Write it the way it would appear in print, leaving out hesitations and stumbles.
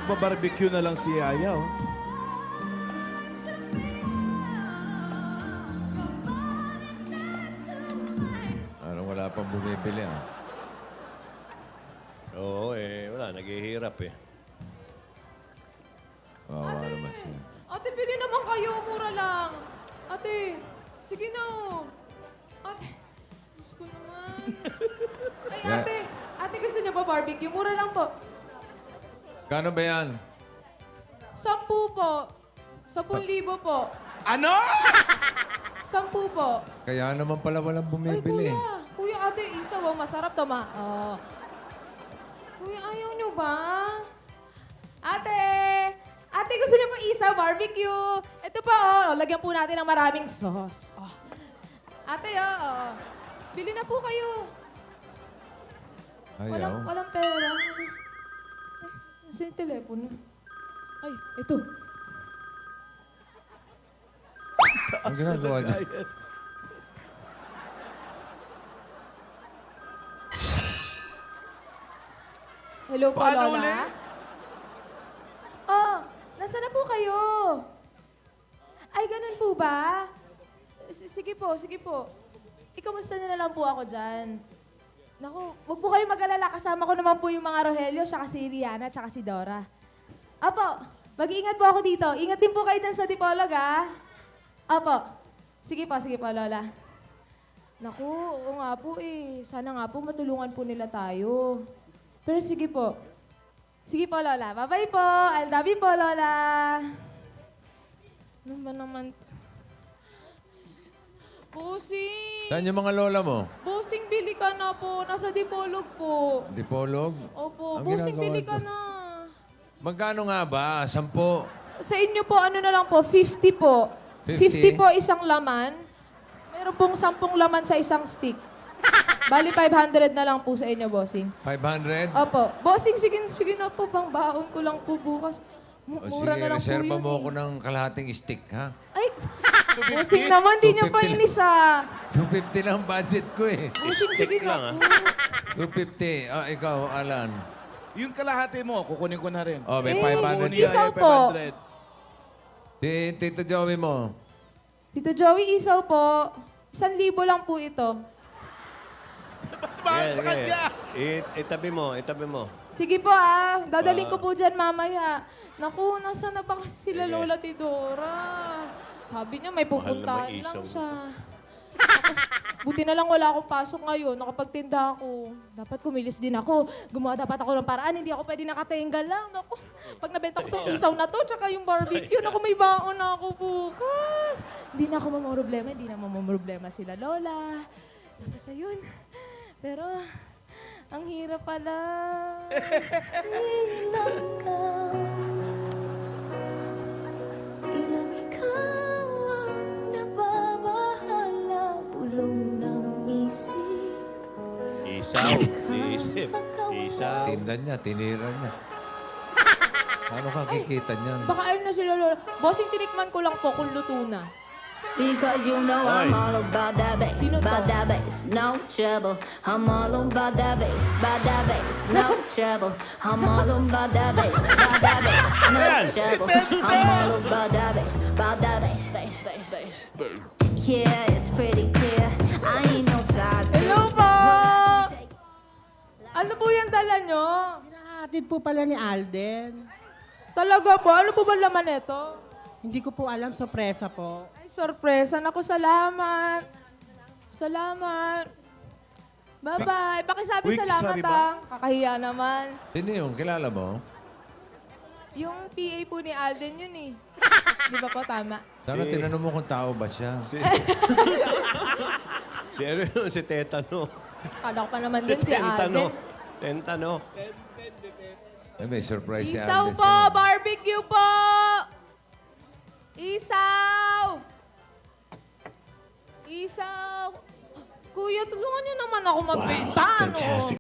Magba-barbecue na lang si Yaya, oh. Parang wala pang bumibili, ah. Oo, wala. Naghihirap, Kawawa naman siya. Ate, bili naman kayo. Mura lang. Ate, sige na. Ate, Diyos ko naman. Ay, Yeah. ate. Ate, gusto niyo ba barbecue? Mura lang po. Kano ba yan? 10 po. 10,000 po. Ano? 10 po. Kaya naman pala walang Ay, bumibili. kuya. Kuya, ate, isaw. Masarap to, ma. Oh. Kuya, ayaw niyo ba? Ate! Ate, gusto niyo po isaw, barbecue. Ito po, oh. Lagyan po natin ng maraming sauce. Oh. Ate, oh. Bili na po kayo. Ayaw. Walang pera. Ay, nasa yung telepono? Ay, ito. Ang ginagawa niya. Hello po, Paano Lola. ulit? Oh, nasaan na po kayo? Ay, ganun po ba? Sige po, sige po. Ikamusta niyo na lang po ako dyan. Naku, wag po kayo mag-alala. Kasama ko naman po yung mga Rogelio, saka si Rihanna, saka si Dora. Apo, mag-iingat po ako dito. Ingat din po kayo dyan sa Dipolog, ah. Apo, sige po, Lola. Naku, oo nga po eh. Sana nga po matulungan po nila tayo. Pero sige po. Sige po, Lola. Bye-bye po. I love you po, Lola. Ano ba naman? Busing! Saan yung mga lola mo? Busing, bili ka na po. Nasa Dipolog po. Dipolog? Opo, Ang Busing, ginagawa bili ka doon? na. Magkano nga ba? 10? Sa inyo po, ano na lang po, 50 po. 50? 50 po isang laman. Meron pong 10 laman sa isang stick. Bali, 500 na lang po sa inyo, Bossing. 500? Opo. Bossing, sige na po, pang baon ko lang po bukas. O Mura sige, na lang po reserva yun mo eh. ako ng kalahating stick, ha? Ay, Bossing naman, di niyo pa 250 inis ah. 250 lang budget ko, eh. Bossing, sige na po. 250. Ah, ikaw, Alan. Yung kalahati mo, kukunin ko na rin. Oh, may Eh, 500 Kukunin ka. isaw Yaya, po. 500. Si Tito Joey mo. Tito Joey, isaw po. 1,000 lang po ito. Ba't mahal sa kanya? Itabi mo. Sige po ah, dadaling ko po dyan mamaya. Naku, nasa na ba kasi sila Lola Tidora? Sabi niya may pupuntahan Mahal naman lang isaw. siya. Naku, buti na lang wala akong pasok ngayon, nakapagtinda ako. Dapat kumilis din ako. Gumawa dapat ako ng paraan, hindi ako pwede nakatinggal lang. Naku, pag nabenta ko itong isaw na to, tsaka yung barbecue, naku, may baon na ako bukas. Hindi na ako mamroblema, hindi na mamroblema sila Lola. Tapos ayun. Pero, ang hirap pala. Ilang ka, tila ikaw ang nababahala, bulong ng isip. Isaw. Iisip. Isaw. Tinda niya, tinira niya. Paano ka kikita niyan? Baka ayun na sila Lola. Bossing, tinikman ko lang po kung luto na. Because you know I'm Oy. all about that bass, Sino to? about that bass, no trouble. I'm all about that bass, no trouble. I'm all about that bass, no trouble. I'm all about that bass. Yeah, it's pretty clear. I ain't no size two. Hello po! Ano po yung dala nyo? Hinahatid po pala ni Alden. Talaga po? Ano po ba laman nito? Hindi ko po alam, sorpresa po. Ay, sorpresa. Naku, salamat. Salamat. Bye-bye. Pakisabi Week, salamat sorry ba? Kakahiya naman. Sino yung kilala mo? Yung PA po ni Alden yun eh. Di ba po? Tama. Sana tinanong mo kung tao ba siya. Si ano yun? Si Tetano. Kala ko pa naman din si Alden. Tentano. Eh, may surprise si Isaw Alden po! sa'yo. Barbecue po! Isaw! Isaw! Kuya, tulungan niyo naman ako magbenta, no?